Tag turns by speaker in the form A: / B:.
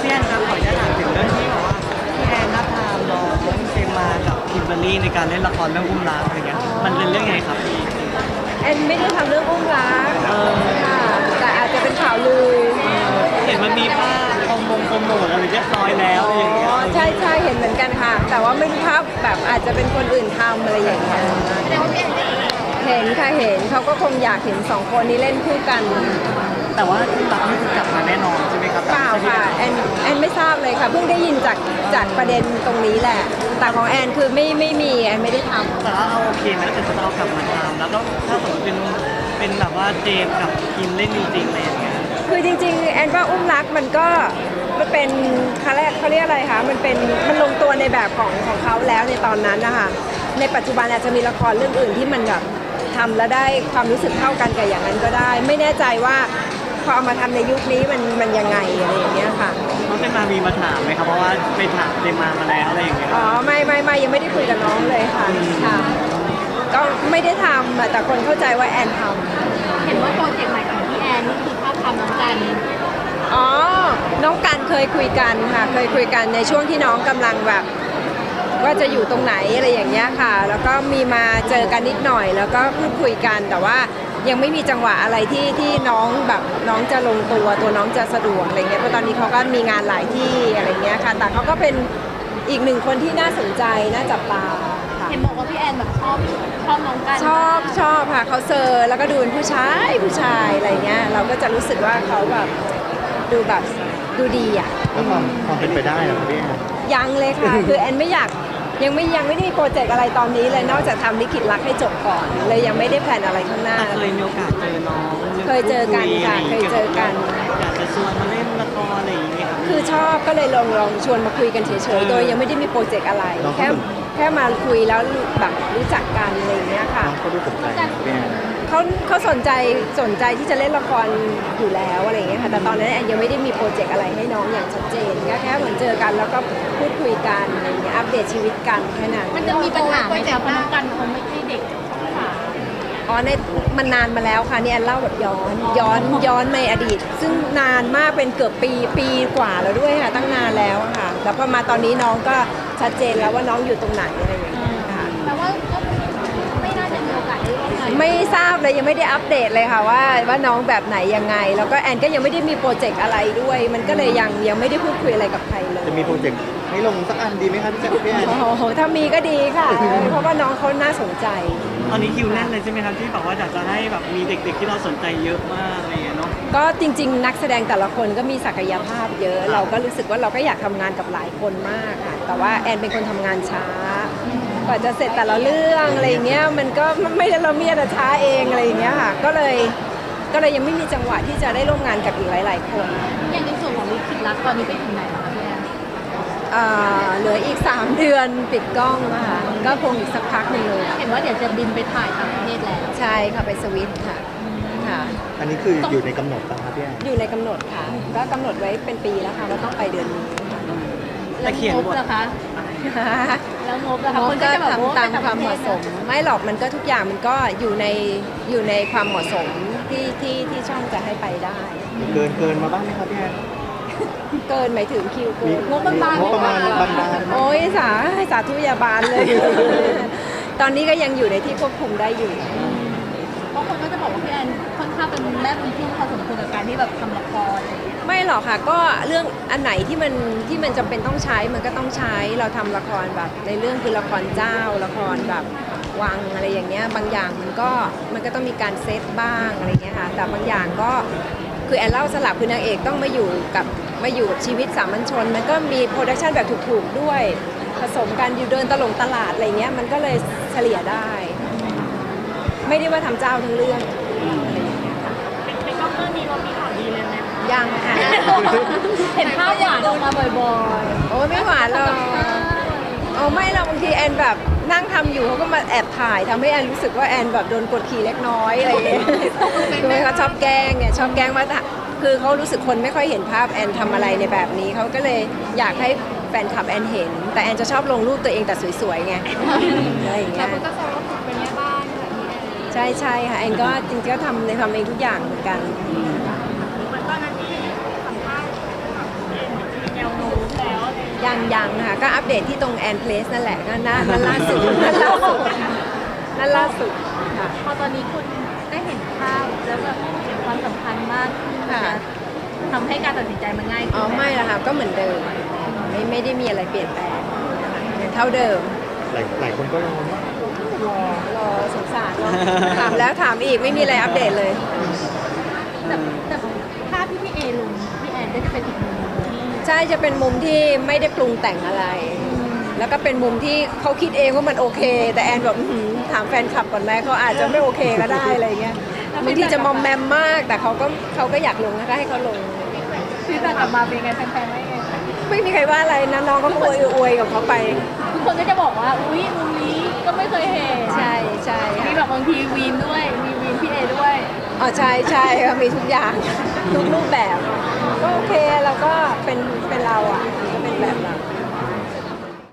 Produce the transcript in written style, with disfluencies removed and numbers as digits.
A: พี่แอนครับขออนุญาตถามถึงเรื่องที่บอกว่าพี่แอนนับทามน้องเจมมากับคิมเบอรรี่ในการเล่นละครเรื่องอุ้มรักอะไรเงี้ยมันเป็นเรื่องไงครับพี่
B: แอนไม่ได้ทำเรื่องอุ้มรักค่ะแต่อาจจะเป็นข่าวลือ
A: เห็นมันมีภาพโปรโมทอะไรเรียบร้อยแล้วอะไรอย่างเงี้ย
B: ใช่ใช่เห็นเหมือนกันค่ะแต่ว่าไม่รู้ภาพแบบอาจจะเป็นคนอื่นทำอะไรอย่างเงี้ยเห็นค่ะเห็นเขาก็คงอยากเห็นสองคนนี้เล่นคู่กัน
A: แต่ว่าที่รักนี่คือกลับมาแน่นอนใช่ไหมครับ
B: เปล่าค่ะแอนไม่ทราบเลยค่ะเพิ่งได้ยินจากประเด็นตรงนี้แหละแต่ของแอนคือไม่มีแอนไม่ได้ทำ
A: แต่ว่าเอาโอเคไหมถ้าเกิดจะเอากลับมาทำแล้วก็ถ้าสมมติเป็นแบบว่าเจมกับคิมเล่นจริงๆอะไรอย่างเงี้ย
B: คือจริงๆแอนว่าอุ้มรักมันเป็นเขาเรียกอะไรคะมันลงตัวในแบบของเขาแล้วในตอนนั้นนะคะในปัจจุบันอาจจะมีละครเรื่องอื่นที่มันแบบทำแล้วได้ความรู้สึกเท่ากันกับอย่างนั้นก็ได้ ไม่แน่ใจว่าพอเอามาทำในยุคนี้มันยังไงอะไรอย่างเงี้ยค่ะ
A: น้องเจมมามีมาถามไหมครับเพราะว่าไปถามเจมมาแล้วอะไรอย่างเงี้ย
B: อ๋อไม่ยังไม่ได้คุยกับน้องเลยค่ะก็ไม่ได้ทำแต่คนเข้าใจว่าแอนทำ
C: เห็นว่าโปรเจกต์ใหม่ของพี่แอนนี่คือภาพทำน้องกัน
B: อ๋อน้องกันเคยคุยกันค่ะเคยคุยกันในช่วงที่น้องกำลังแบบว่าจะอยู่ตรงไหนอะไรอย่างเงี้ยค่ะแล้วก็มีมาเจอกันนิดหน่อยแล้วก็พูดคุยกันแต่ว่ายังไม่มีจังหวะอะไรที่น้องแบบน้องจะลงตัวน้องจะสะดวกอะไรเงี้ยเพราะตอนนี้เขาก็มีงานหลายที่อะไรเงี้ยค่ะแต่เขาก็เป็นอีกหนึ่งคนที่น่าสนใจน่าจับตา
C: เห็นบอกว่าพี่แอนแบบชอบน้องกัน
B: ชอบค่ะเขาเซอร์แล้วก็ดูเป็นผู้ชายอะไรเงี้ยเราก็จะรู้สึกว่าเขาแบบดูดีอ่ะ
D: แล้วความเป็นไปได้เหรอพี่แอน
B: ยังเลยค่ะ คือแอนไม่อยากยังไม่ได้มีโปรเจกต์อะไรตอนนี้เลยนอกจากทำลิขิตรักให้จบก่อนเลยยังไม่ได้แพลนอะไรข้างหน้า
A: เคยมีโอกาสเจอน้อง
B: เคยเจอกันค่ะเคยเจอกัน
A: อยากจะชวนมาเล่นละครอะไรอย่างเงี้ย
B: คือชอบก็เลยลองชวนมาคุยกันเฉยๆโดยยังไม่ได้มีโปรเจกต์อะไรแค่มาคุยแล้วแบบรู้จักกันอะไรอย่างเงี้ยค่ะ
D: เขาดูสนใจพี่แอน
B: เขาสนใจที่จะเล่นละครอยู่แล้วอะไรอย่างเงี้ยค่ะแต่ตอนนั้นแอนยังไม่ได้มีโปรเจกต์อะไรให้น้องอย่างชัดเจนแค่เหมือนเจอกันแล้วก็พูดคุยกันอะไรอย่างเงี้ยอัปเดตชีวิตกันแค่นั้น
C: มันจะมีปัญหาไหมคะเพราะน้องกันเขาไม่ใช่เด็ก
B: อ๋อในมันนานมาแล้วค่ะนี่แอนเล่าแบบย้อนในอดีตซึ่งนานมากเป็นเกือบปีกว่าแล้วด้วยค่ะตั้งนานแล้วค่ะแล้วพอมาตอนนี้น้องก็ชัดเจนแล้วว่าน้องอยู่ตรงไหนอะไรอย่างเงี้ยค่ะ
C: แต่ว่าก็ไม่น่าจะมีโอกาสได้ร่วมงาน
B: ไม่ทราบเลยยังไม่ได้อัปเดตเลยค่ะว่าน้องแบบไหนยังไงแล้วก็แอนก็ยังไม่ได้มีโปรเจกต์อะไรด้วยมันก็เลยยังไม่ได้พูดคุยอะไรกับใครเลย
D: จะมีโปรเจกต์ให้ลงสักอันดีไหมครับพี่แอน
B: โอ้โหถ้ามีก็ดีค่ะเพราะว่าน้องเขาน่าสนใจ
A: ตอนนี้คิวแน่นเลยใช่ไหมครับที่บอกว่าอยากจะให้แบบมีเด็กๆที่เราสนใจเยอะมากอะไรอย่างเงี้ยเนาะ
B: ก็จริงๆนักแสดงแต่ละคนก็มีศักยภาพเยอะเราก็รู้สึกว่าเราก็อยากทำงานกับหลายคนมากค่ะแต่ว่าแอนเป็นคนทำงานช้ากว่าจะเสร็จแต่ละเรื่องอะไรอย่างเงี้ยมันก็ไม่ได้เราเมียแต่ช้าเองอะไรอย่างเงี้ยค่ะก็เลยยังไม่มีจังหวะที่จะได้ร่วมงานกับอีกหลายๆคน
C: อย่างในส่วนของลิขิตรักตอนนี้ไปถึงไหนแล้วคะพี่แอน
B: เหลืออีก3 เดือนปิดกล้องนะคะก็คงอีกสักพักหนึ่งเลย
C: เห็นว่าเดี๋ยวจะบินไปถ่ายต่างประเทศแล้ว
B: ใช่ค่ะไปสวิตค่ะ
D: อันนี้คืออยู่ในกำหนดป่ะครับพี่แอน
B: อยู่ในกำหนดค่ะก็กำหนดไว้เป็นปีแล้วค่ะว่าต้องไปเดือนนี้
A: แต่เขียนบท
C: นะคะแล้วงบนะคะ
B: คนก็ทำตามความเหมาะสมไม่หรอกมันก็ทุกอย่างมันก็อยู่ในความเหมาะสมที่ช่องจะให้ไปได้
D: เกินมาบ้างไหมครับพี่แอน
B: เกินหมายถึงคิวเกิน
D: งบประมาณ
B: โอ้ยสาธุยาบาลเลย ตอนนี้ก็ยังอยู่ในที่ควบคุมได้อยู่
C: เพราะคนก็จะบอกว่าพี่แอนค่อนข้างเป็นแม่บุญทุ่งพอสมควรกับการที่แบบทำละคร
B: ไม่หรอกค่ะก็เรื่องอันไหนที่มันจำเป็นต้องใช้มันก็ต้องใช้เราทำละครแบบในเรื่องคือละครเจ้าละครแบบวังอะไรอย่างเงี้ยบางอย่างมันก็ต้องมีการเซตบ้างอะไรเงี้ยค่ะแต่บางอย่างก็คือแอนเล่าสลับคือนางเอกต้องมาอยู่กับชีวิตสามัญชนมันก็มีโปรดักชันแบบถูกๆด้วยผสมกันอยู่เดินตลาดอะไรเงี้ยมันก็เลยเฉลี่ยได้ไม่ได้ว่าทำเจ้าทั้งเรื่อง
C: เป็นก็เรื่องนี้เรามีข่าวดีเลยไหม
B: ยังค่ะ
C: เห็นภาพหวานออกมาบ่อย
B: ๆโอ้ไม่หวานหรอกไม่เราบางทีแอนแบบนั่งทำอยู่เขาก็มาแอบถ่ายทำให้แอนรู้สึกว่าแอนแบบโดนกดขี่เล็กน้อยอะไรอย่างเงี้ยคือเขาชอบแกล้งไงชอบแกล้งว่าคือเขารู้สึกคนไม่ค่อยเห็นภาพแอนทำอะไรในแบบนี้เขาก็เลยอยากให้แฟนคลับแอนเห็นแต่แอนจะชอบลงรูปตัวเองแต่สวยๆไงอะไรอย่างเงี้ย
C: แล้วก็แซวว่าเป็นแม่บ้านค่ะพี่แอน
B: ใช่ค่ะแอนก็จริงๆก็ทำเองทุกอย่างเหมือนกัน
C: ตอนนั้นที่สัมภาษณ์แอนมีแนว
B: ยังค่ะก็อัปเดตที่ตรงแอนเพลสนั่นแหละนั่นล่าสุดนั่นล่าสุดค่ะ
C: พอตอนนี้คุณได้เห็นภาพแล้วแบบเห็นความสำคัญมากขึ้น
B: ค่ะ
C: นะทำให้การตัดสินใจมันง่าย
B: อ๋
C: ขึ้
B: อนไม่ละค่ะก็เหมือนเดิมไม่ได้มีอะไรเปลี่ยนแปลงนะคะยังเท่าเดิม
D: หลายคนก็รอว่าร
B: อสงสารรอถามแล้วถามอีกไม่มีอะไรอัปเดตเลย
C: แต่ภาพที่พี่เอลงพี่แอนก็จะเป็นอีกมุมหนึ่งที่
B: ใช่จะเป็นมุมที่ไม่ได้ปรุงแต่งอะไร แล้วก็เป็นมุมที่เขาคิดเองว่ามันโอเค แต่แอนบอกอื้อหือถามแฟนคลับก่อนไหมเขาอาจจะไม่โอเคก็ได้อะไรเงี้ยบางทีจะมอมแมมมาก แต่เขาก็อยากลงนะคะให้เขาลง
C: ฟีดแบ็กกลับมาเป็นไงแฟนๆว่ายังไง
B: ไม่มีใครว่าอะไรนะน้องก็อวยกับเขาไป
C: ทุกคนก็จะบอกว่าอุ้ยมุมนี้ก็ไม่เคยเห็น
B: ใช่
C: มี
B: ค่ะ
C: แบบบางทีวีนด้วยมีวีนพี่เอด้วย
B: อ๋อใช่ค่ะมีทุกอย่าง ทุกรูปแบบ ก็โอเคเราก็เป็นเราอ่ะ